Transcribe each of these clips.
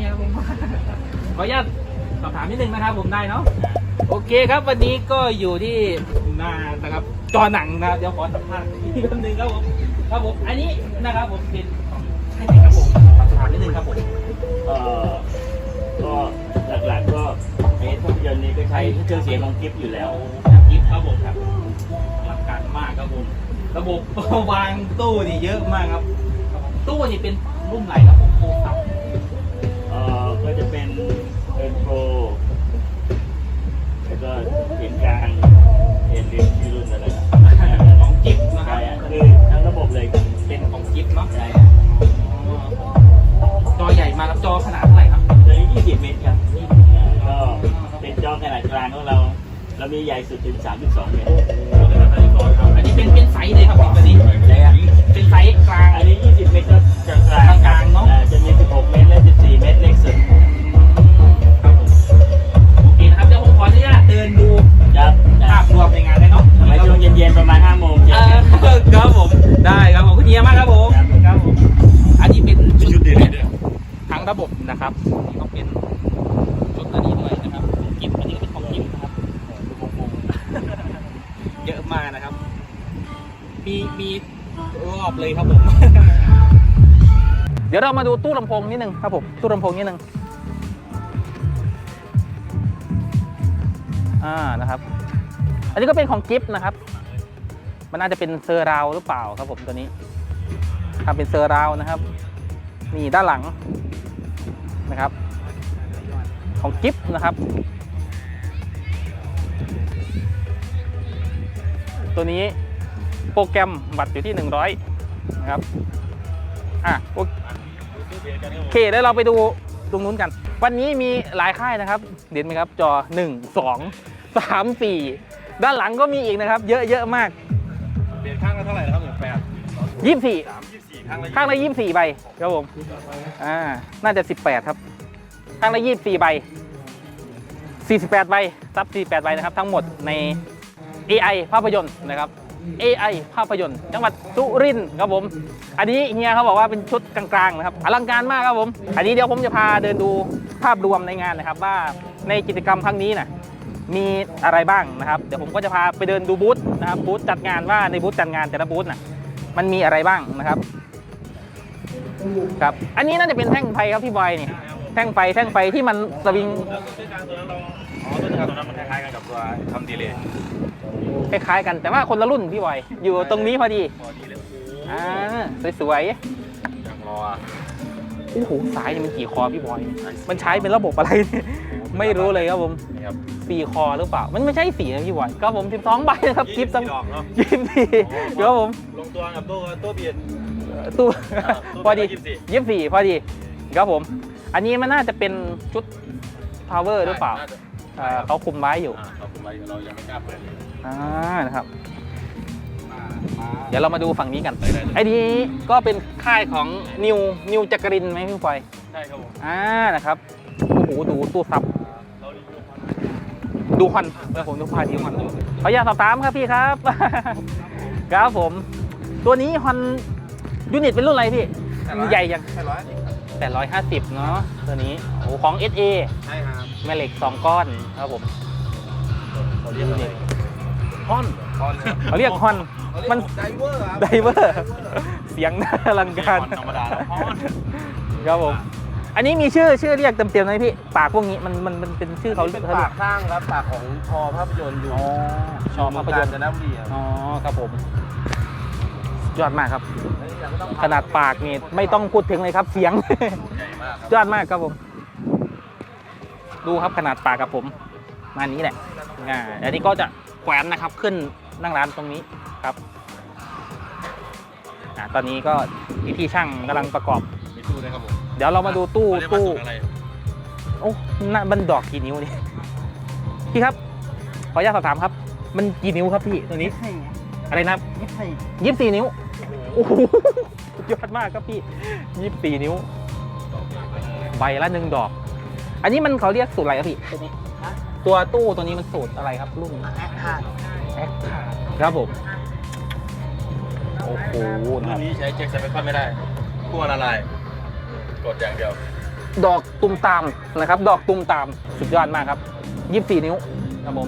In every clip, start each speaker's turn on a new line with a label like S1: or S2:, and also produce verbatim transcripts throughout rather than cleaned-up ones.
S1: ครับผมขออนุญาตสอบถามนิดนึงนะครับผมได้เนาะโอเคครับวันนี้ก็อยู่ที่หน้านะครับจอหนังนะเดี๋ยวขอสัมภาษณ์อีกคำหนึ่งครับผมครับผมอันนี้นะครับผมเป็นใช่ไหมครับผมสอบถามนิดนึงครับผม
S2: เอ่อก็หลักๆก็ไอ้ภาพยนตร์นี้ก็ใช้เครื่องเสียงของกิฟต์อยู่แล้ว
S1: กิฟต์ครับผมครับรักการมากครับผมระบบวางตู้นี่เยอะมากครับตู้นี่เป็นรุ่นไหนครับผมโปรครับ
S2: เอ่อก็จะเป็นเอ็นโปรแล้วก็เสียงกลางเอ็นดีที่รุ่นอะไร
S1: ของกิฟต์นะครับ
S2: คือทั้งระบบเลย
S1: เป็นของกิฟต์เนาะ
S2: ใช่
S1: จอใหญ่มาครับจอขนาดเท่าไหร่ครับ
S2: จอยี่สิบเมตรครับก็เป็นจอขนาดกลางของเราเรามีใหญ่สุดถึงสามสิบสองเมตร
S1: อันนี้เป็นเป็นไซส์เลยครับผมอันนี้เป็นไซส์กลาง
S2: อันนี้ยี่สิบเมตรก็กลางกลาง
S1: กลางเนาะ
S2: จะมีสิบหกเมตรและสิบสี่เมตรเล็กสุด
S1: โอเคนะครับเดี๋ยวผมขออนุญาตเดินดู
S2: ครับ
S1: ภาพรวมในงานเลยเนาะ
S2: ทำไมช่วงเย็นๆประมาณห้าโมง
S1: ครับผมได้ครับผมคุณเฮียมากครับผมครับผมอันนี้เป็นชุดเด่นทั้งระบบนะครับนี่ก็เป็นชุดอันนี้ด้วยนะครับกิฟต์อันนี้ก็เป็นของกิฟต์นะครับเยอะมากนะครับมีมีรอบเลยครับผมเดี๋ยวเรามาดูตู้ลำโพงนิดนึงครับผมตู้ลำโพงนิดนึงอ่านะครับอันนี้ก็เป็นของกิฟต์นะครับมันน่าจะเป็นเซอร์ราวหรือเปล่าครับผมตัวนี้ทำเป็นเซอร์ราวนะครับนี่ด้านหลังนะครับของกิฟต์นะครับตัวนี้โปรแกรมบัตรอยู่ที่หนึ่งร้อยนะครับอ่ะโอเคแล้วเราไปดูตรงนู้นกันวันนี้มีหลายค่ายนะครับเด่นไหมครับจอหนึ่ง สอง สาม สี่ด้านหลังก็มีอีกนะครับเยอะเยอะมาก
S3: เปลี่ยนข้างละเท่าไหร่นะครับหนึ่งแปด
S1: ยี่สิบสี่ข้างละยี่
S3: ยี่
S1: สิบสี่ใบครับผมอ่าน่าจะสิบแปดครับข้างละยี่สิบสี่ใบสี่สิบแปดใบซับสี่สิบแปดใบนะครับทั้งหมดใน เอ ไอ ภาพยนตร์นะครับ เอ ไอ ภาพยนตร์จังหวัดสุรินทร์ครับผมอันนี้เฮียเขาบอกว่าเป็นชุดกลางๆนะครับอลังการมากครับผมอันนี้เดี๋ยวผมจะพาเดินดูภาพรวมในงานนะครับว่าในกิจกรรมครั้งนี้นะมีอะไรบ้างนะครับเดี๋ยวผมก็จะพาไปเดินดูบูธนะครับบูธจัดงานว่าในบูธจัดงานแต่ละบูธน่ะมันมีอะไรบ้างนะครับครับอันนี้น่าจะเป็นแท่งไฟครับพี่บอยนี่แท่งไฟแท่งไฟที่มันสวิง
S3: อ๋อตัวนี้ตัวนั้นมันคล้ายๆกันกับตัวทำดีเลย
S1: คล้ายๆกันแต่ว่าคนละรุ่นพี่บอยอยู่ตรงนี้พอดี
S3: พอดีเลย
S1: อ่าสวยๆ
S3: ยังรอ
S1: โอ้โหสายมันกี่คอพี่บอยมันใช้เป็นระบบอะไรไม่รู้เลยครับผมสี่คอหรือเปล่ามันไม่ใช่สี่นะพี่บอยก็ผมสิบสองใบนะครับกิฟต์สังยี่สิบสี่ครับผม
S3: ลงตัวกับตัวตัวเบียด
S1: ตู้พอดียี่สิบสี่พอดีครับผมอันนี้มันน่าจะเป็นชุด power หรือเปล่าเขาคุมไว้อยู่
S3: เขาคุมไว้เรายังไม่กล้าเปิด
S1: อ่านะครับเดี๋ยวเรามาดูฝั่งนี้กันไอ้นี้ก็เป็นค่ายของนิวนิวจักรินไหมพี่บอย
S3: ใช่ครับผม
S1: อ่านะครับโอ้โหดูตู้ซับดูควันแล้วผมดูพาดีควันขออยากสอบถามครับพี่ครับครับผมตัวนี้ฮอนยูนิตเป็นรุ่นอะไรพี่ใหญ่ยังแปดร้อยห้าสิบเนาะตัวนี้โอ้ของ เอส เอ
S3: ใช่ครับ
S1: แม่เหล็กสองก้อนครับผม
S3: เขาเรียกอะไรฮอน
S1: เขาเรียกฮอนมัน
S3: ไดเวอร์
S1: ไดเวอร์เสียงน่าอลังการ
S3: ธรรมดาฮอน
S1: ครับผมอันนี้มีชื่อชื่อเรียกเต็มๆไหมพี่ปากพวกนี้มันมันมันเป็นชื่อเขา
S3: เป็นปากข้างครับปากของชอภาพยนตร์อยู่
S1: ชอภาพยนตร์
S3: จะน้ำดี
S1: อ๋อครับผมยอดมากครับขนาดปากนี่ไม่ต้องพูดถึงเลยครับเสียงยอดมากครับผมดูครับขนาดปากกับผมมานี้แหละอ่าอันนี้ก็จะแขวนนะครับขึ้นนั่งร้านตรงนี้ครับอ่าตอนนี้ก็พี่ช่างกำลังประกอบ
S3: มีตู้ด้วยครับผม
S1: เดี๋ยวเรามาดูตู้ตู้โอ้น่ามันดอกกี่นิ้วนี่พี่ครับขออนุญาตสอบถามครับมันกี่นิ้วครับพี่ตัวนี้อะไรนะยี่สิบสี่นิ้วโอ้โหยอดมากครับพี่ยี่สิบสี่นิ้วใบละหนึ่งดอกอันนี้มันเขาเรียกสูตรอะไรครับพี่ตัวนี้ตัวตู้ตัวนี้มันสูตรอะไรครับรุ่นแอคทาแอคทาครับผมโอ้โห
S3: รุ่นนี้ใช้แจ็คสเปคคอนไม่ได้ขั้วละลายกดอย่างเดียว
S1: ดอกตุ่มตามนะครับ ดอกตุ่มตามสุดยอดมากครับยี่สิบสี่นิ้วครับผม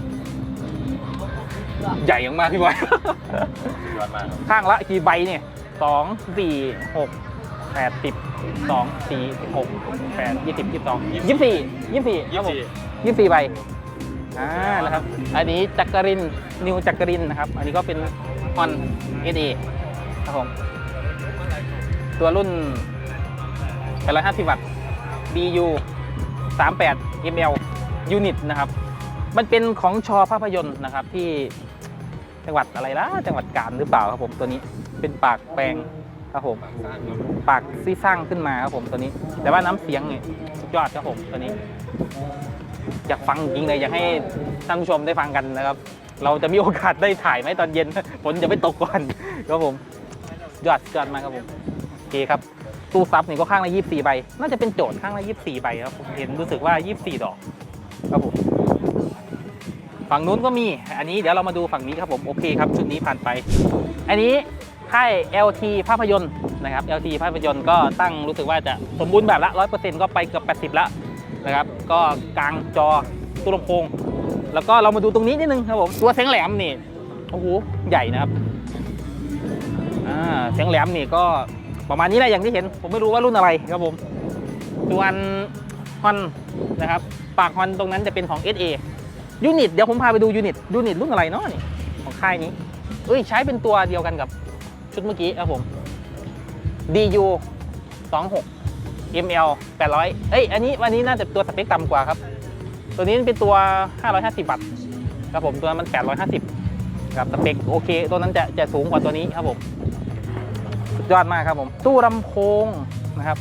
S1: ใหญ่มากๆพี่บอย
S3: ยอดมากครับ
S1: ข้างละกี่ใบเนี่ยสองสี่หกแปดสิบสองสี่หกแปดยี่สิบยี่สิบสองยี่สิบสี่ยี่สิบสี่ครับผมยี่สิบสี่ใบอ่านะครับอันนี้จักรินนิวจักรินนะครับอันนี้ก็เป็นฮอนเอสเอครับผมตัวรุ่นแปดร้อยห้าสิบวัตต์ บี ยู สามสิบแปด เอ็ม แอล ยูนิตนะครับมันเป็นของชอภาพยนตร์นะครับที่จังหวัดอะไรล่ะจังหวัดกาญหรือเปล่าครับผมตัวนี้เป็นปากแปลงครับผมปากซี่สร้างขึ้นมาครับผมตัวนี้แต่ว่าน้ำเสียงเนี่ยสุดยอดครับผมตัวนี้อยากฟังจริงเลยอยากให้ท่านผู้ชมได้ฟังกันนะครับเราจะมีโอกาสได้ถ่ายไหมตอนเย็น ฝนจะไม่ตกก่อนครับผมยอดยอดมากครับผมโอเคครับตู้ซับนี่ก็ข้างละยี่สิบสี่ใบน่าจะเป็นโจทย์ข้างละยี่สิบสี่ใบครับผมเห็นรู้สึกว่ายี่สิบสี่ดอกครับผมฝั่งนู้นก็มีอันนี้เดี๋ยวเรามาดูฝั่งนี้ครับผมโอเคครับชุดนี้ผ่านไปอันนี้ค่าย แอล ที ภาพยนตร์นะครับ แอล ที ภาพยนตร์ก็ตั้งรู้สึกว่าจะสมบูรณ์แบบละ ร้อยเปอร์เซ็นต์ ก็ไปเกือบแปดสิบละนะครับก็กลางจอตู้ลำโพงแล้วก็เรามาดูตรงนี้นิดนึงครับผมตัวเสียงแหลมนี่โอ้โหใหญ่นะครับอ่าเสียงแหลมนี่ก็ประมาณนี้แหละอย่างที่เห็นผมไม่รู้ว่ารุ่นอะไรครับผมส่วนฮอนนะครับปากฮอนตรงนั้นจะเป็นของ เอส เอ ยูนิตเดี๋ยวผมพาไปดูยูนิตยูนิตรุ่นอะไรเนาะนี่ของค่ายนี้เอ้ยใช้เป็นตัวเดียวกันกับชุดเมื่อกี้ครับผม ดี ยู สองสิบหก เอ็ม แอล แปดร้อยเอ้ยอันนี้วันนี้น่าจะตัวสเปคต่ำกว่าครับตัวนี้เป็นตัวห้าร้อยห้าสิบวัตต์ครับผมตัวนั้นมันแปดร้อยห้าสิบครับสเปคโอเคตัวนั้นจะจะสูงกว่าตัวนี้ครับผมสุดยอดมากครับผมตู้ลำโพงนะครับ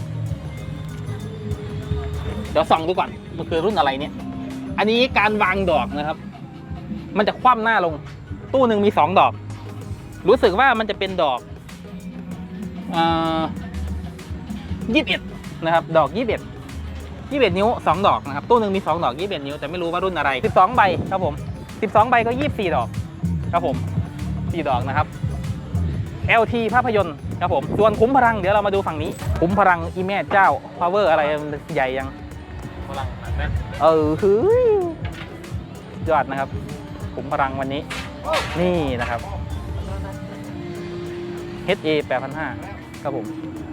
S1: เดี๋ยวส่องดูก่อนมันคือรุ่นอะไรเนี่ยอันนี้การวางดอกนะครับมันจะคว่ำหน้าลงตู้หนึ่งมีสองดอกรู้สึกว่ามันจะเป็นดอกยี่สิบเอ็ดนะครับดอกยี่สิบเอ็ดยี่สิบเอ็ดนิ้วสองดอกนะครับตู้หนึ่งมีสองดอกยี่สิบเอ็ดนิ้วแต่ไม่รู้ว่ารุ่นอะไรสิบสองใบครับผมสิบสองใบก็ยี่สิบสี่ดอกครับผมสี่ดอกนะครับ แอล ที ภาพยนตร์ครับผมส่วนคุ้มพลังเดี๋ยวเรามาดูฝั่งนี้คุ้มพลังอีแม่เจ้า power อะไรใหญ่ยัง
S3: พลังหนักแน่น
S1: เออคือยอดนะครับคุ้มพลังวันนี้นี่นะครับ เอช เอ แปดพันห้าร้อยครับผม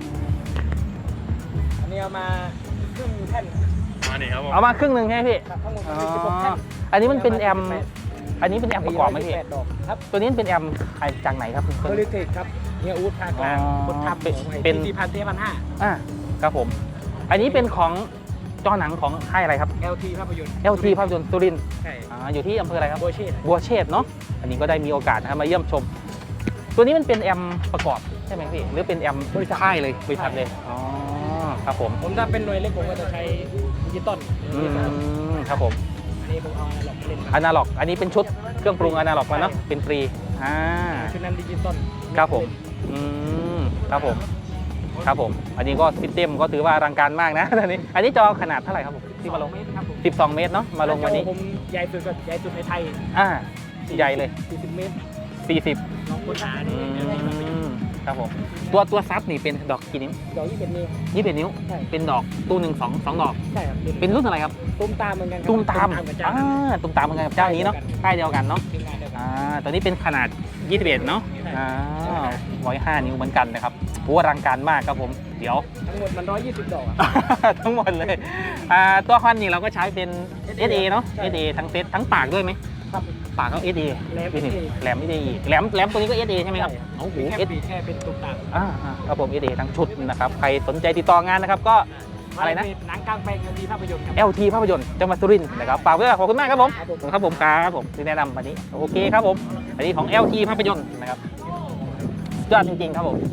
S4: อันนี้เอามาครึ่งแท่น
S3: มานี่ครับผม
S1: เอามาครึ่งหนึ่งใช่ไหมพี่
S4: ครับทั้งหมด
S1: อ๋อ
S4: มีสิบหกแท่น
S1: อันนี้มันเป็นแอมป์อันนี้เป็นแอมป์ประกอบไหมพี่
S4: แปดดอกครับ
S1: ตัวนี้เป็นแอมป์จากไหนครับ
S4: โพลิเทคครับเฮียอูดภาคกลาง
S1: อ๋อ
S4: คนทำ
S1: เป็น
S4: ของ
S1: เป็
S4: เป็น นสี่พันเจ็ดพันห้า
S1: อ่าครับผม อันนี้เป็นของจอหนังของค่ายอะไรครับ
S4: แอล ที ภาพยนตร์
S1: แอล ที ภาพยนตร์สุรินทร์
S4: ใช่
S1: อ่าอยู่ที่อำเภออะไรครับ
S4: โบเช่
S1: บัวเชษฐ์เนาะอันนี้ก็ได้มีโอกาสนะครับมาเยี่ยมชม ตัวนี้มันเป็นแอมป์ประกอบใช่ไหมพี่หรือเป็นแอมป์บริษัทค่ายเลยบริษัทเลยอ๋อครับผม
S4: ผมถ้าเป็นหน่วยเล็กผมก็จะใช้ดิจิตอล
S1: อืมครับผม
S4: อันนี้ผมเอาอนาล็อกมาเล่น
S1: อนาล็อกอันนี้เป็นชุดเครื่องปรุงอนาล็อกมาเนาะเป็นฟรีอ่า
S4: ชุดนั้นดิจิตอล
S1: ครับผมอืมครับผมครับผม อันนี้ก็ซิสเต็มก็ถือว่าอลังการมากนะตอนนี้อันนี้จอขนาดเท่าไหร่ครับผมที่มาลง
S4: เมตรครับผม
S1: สิบสองเมตรเนาะมาลงวันนี้
S4: ผมใหญ่สุดก็ใหญ่สุดในไทย
S1: อ่าใหญ่เลย
S4: สี่สิบเมตร
S1: สี่สิบ
S4: ลองค้นหา
S1: อื
S4: นี่ได้ครับ
S1: มครับผมตัวตัวซับนี่เป็นดอกกี่นิ้ว
S4: ดอกยี่สิบนิ้ว
S1: ยี่สิบเอ็ดนิ้ว
S4: ใช่
S1: เป็นดอกตู้หนึ่งสองสองดอก
S4: ใช่ครับ
S1: เป็นรุ่นอะไรครับ
S4: ตุ้มตามเหมือนกันครับ
S1: ตุ้มตาม
S4: กับเจ้า
S1: อ่าตุ้มตามเหมือนกันกับเจ้านี้เนาะค่ายเดียวกันเนาะ
S4: ทีมงานเดียวกัน
S1: อ่าตัวนี้เป็นขนาดยี่สิบเอ็ดเนาะอ่าร้อยห้านิ้วเหมือนกันนะครับโอ้อลังการมากครับผมเดี๋ยว
S4: ทั้งหมดมันร้อยยี่สิบดอกอะ
S1: ทั้งหมดเลยอ่าตัวฮอนนี่เราก็ใช้เป็น เอส เอ เนาะ
S4: ใช่
S1: เอส เอ ทั้งเซตทั้งปากด้วยไหม
S4: ครับ
S1: ปากก็ เอส เอ
S4: แหลม
S1: นี่
S4: เอสเอ
S1: แหลม เอส เอ แหลมแหลมตัวนี้ก็ เอส เอ ใช่ไหมครับโอ้โห
S4: แค่
S1: เอส
S4: ปีแค่เป็นตุ้มตาม
S1: อ่าอ่าครับผม เอส เอ ทั้งชุดนะครับใครสนใจติดต่องานนะครับก็อะไรนะ
S4: หนังกลางแปลงมีภาพยนตร์ครับ
S1: แอล ที ภาพยนตร์จังหวัดสุรินทร์นะครับฝากไว้ด้วยขอบคุณมากครับผม
S4: ครับผม
S1: ครับผมครับผมที่แนะนำวันนี้โอเคครับผมอันนี้ของ แอล ที ภาพยนตร์นะครับสุดยอดจริงๆครับผม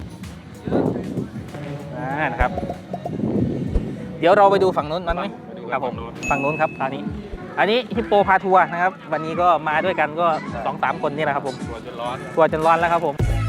S1: อ่านะครับเดี๋ยวเราไปดูฝั่งนู้นมันไหมครับผมฝั่งนู้นครับคราวนี้ อันนี้ฮิปโปพาทัวร์นะครับวันนี้ก็มาด้วยกันก็สองสามคนนี่แหละครับผม
S3: ตัวจนร้อน
S1: ทัวร์จนร้อนแล้วครับผม